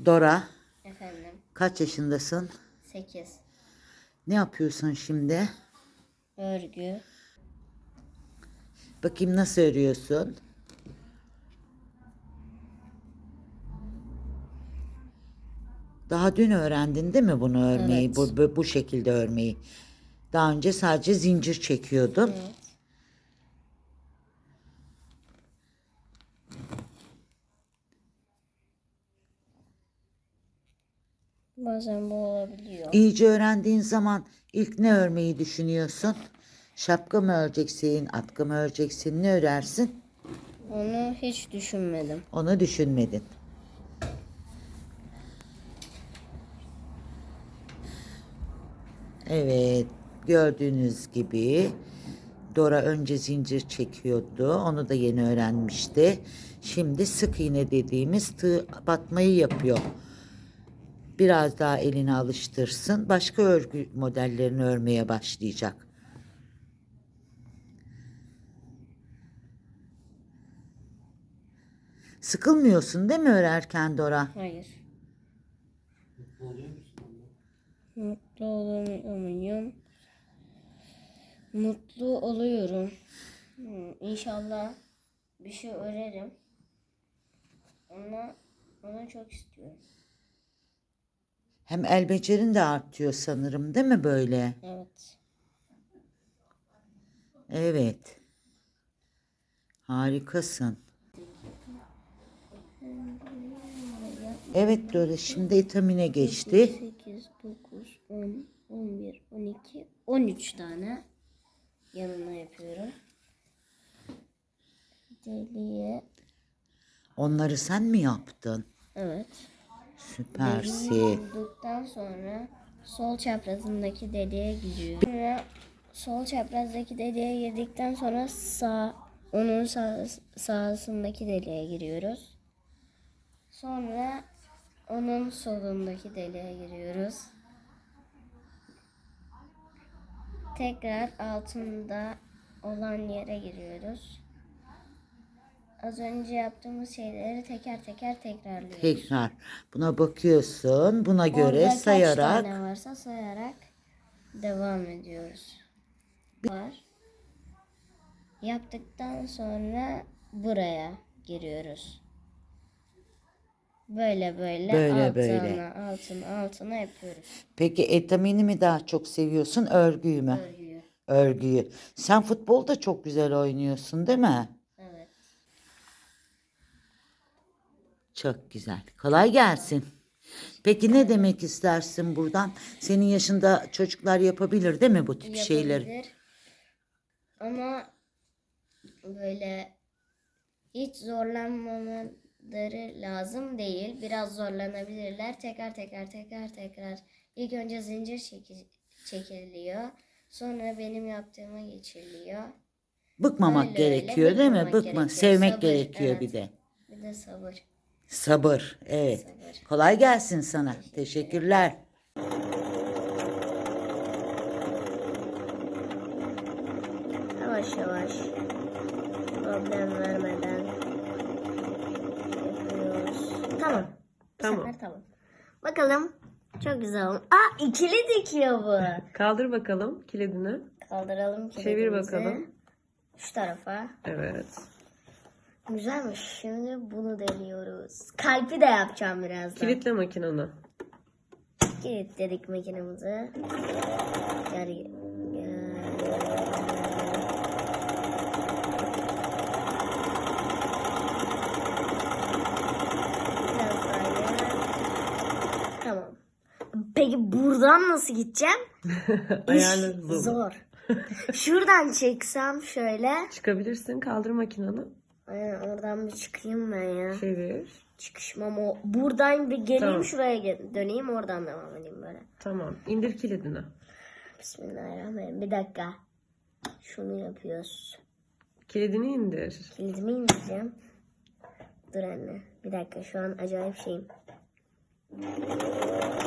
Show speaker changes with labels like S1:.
S1: Dora,
S2: Efendim.
S1: kaç yaşındasın?
S2: 8.
S1: Ne yapıyorsun şimdi?
S2: Örgü.
S1: Bakayım nasıl örüyorsun? Daha dün öğrendin değil mi bunu örmeyi?
S2: Evet.
S1: Bu şekilde örmeyi. Daha önce sadece zincir çekiyordun.
S2: Evet. Bazen bu olabiliyor.
S1: İyice öğrendiğin zaman ilk ne örmeyi düşünüyorsun? Şapka mı öreceksin, atkı mı öreceksin, ne örersin?
S2: Onu hiç düşünmedim.
S1: Onu düşünmedin. Evet, gördüğünüz gibi Dora önce zincir çekiyordu. Onu da yeni öğrenmişti. Şimdi sık iğne dediğimiz tığ batmayı yapıyor. Biraz daha elini alıştırsın. Başka örgü modellerini örmeye başlayacak. Sıkılmıyorsun değil mi örerken Dora?
S2: Hayır. Mutlu oluyor muyum? Mutlu oluyorum. İnşallah bir şey örerim. Onu çok istiyorum.
S1: Hem el becerin de artıyor sanırım değil mi böyle?
S2: Evet.
S1: Evet. Harikasın. Evet Dora şimdi etamine geçti.
S2: 8, 9, 10, 11, 12, 13 tane yanına yapıyorum. Deliğe.
S1: Onları sen mi yaptın?
S2: Evet.
S1: Süpersin.
S2: Deliği bulduktan sonra sol çaprazındaki deliğe giriyorum. Sonra sol çaprazdaki deliğe girdikten sonra onun sağsındaki deliğe giriyoruz. Sonra onun solundaki deliğe giriyoruz. Tekrar altında olan yere giriyoruz. Az önce yaptığımız şeyleri teker teker tekrarlıyoruz.
S1: Tekrar buna bakıyorsun. Buna göre
S2: Orada kaç
S1: sayarak.
S2: tane varsa sayarak devam ediyoruz. Var. Yaptıktan sonra buraya giriyoruz. Böyle
S1: Böyle.
S2: altına yapıyoruz.
S1: Peki etamini mi daha çok seviyorsun, örgüyü mü?
S2: Örgüyü.
S1: Örgüyü. Sen futbol da çok güzel oynuyorsun değil mi?
S2: Evet.
S1: Çok güzel. Kolay gelsin. Peki ne demek istersin buradan? Senin yaşında çocuklar yapabilir değil mi bu tip şeyleri?
S2: Yapabilir. Ama böyle hiç zorlanmamaları lazım değil. Biraz zorlanabilirler. Tekrar. İlk önce zincir çekiliyor. Sonra benim yaptığıma geçiriliyor.
S1: Bıkmamak
S2: Öyle
S1: gerekiyor değil mi?
S2: bıkmamak
S1: Bıkma.
S2: gerekiyor.
S1: Sevmek
S2: Sabır,
S1: gerekiyor
S2: evet.
S1: bir de.
S2: Bir de sabır.
S1: Sabır. Evet.
S2: Sabır.
S1: Kolay gelsin sana. Teşekkürler.
S2: Yavaş yavaş. Problem vermeden yapıyoruz. Tamam.
S3: Tamam.
S2: Bu sefer tamam. Bakalım. Çok güzel oldu. Aa, ikili dikiyor bu.
S3: Kaldır bakalım kilidini.
S2: Kaldıralım kilidimizi.
S3: Çevir bakalım.
S2: Şu tarafa.
S3: Evet.
S2: Güzelmiş. Şimdi bunu deniyoruz. Kalbi de yapacağım birazdan.
S3: Kilitle makinanı.
S2: Kilitledik makinemizi. Gel. Biraz daha gel. Tamam. Peki buradan nasıl gideceğim?
S3: Ayarlarız onu.
S2: Zor. Şuradan çeksem şöyle.
S3: Çıkabilirsin. Kaldır makinanı.
S2: Aynen, oradan bir çıkayım ben ya.
S3: Çevir.
S2: Çıkışmam o. Buradan bir geleyim,
S3: Tamam.
S2: şuraya döneyim, oradan devam edeyim böyle.
S3: Tamam. İndir kilidini.
S2: Bismillahirrahmanirrahim. Bir dakika. Şunu yapıyoruz.
S3: Kilidini indir.
S2: Kilidimi indireceğim. Dur anne. Bir dakika, şu an acayip şeyim.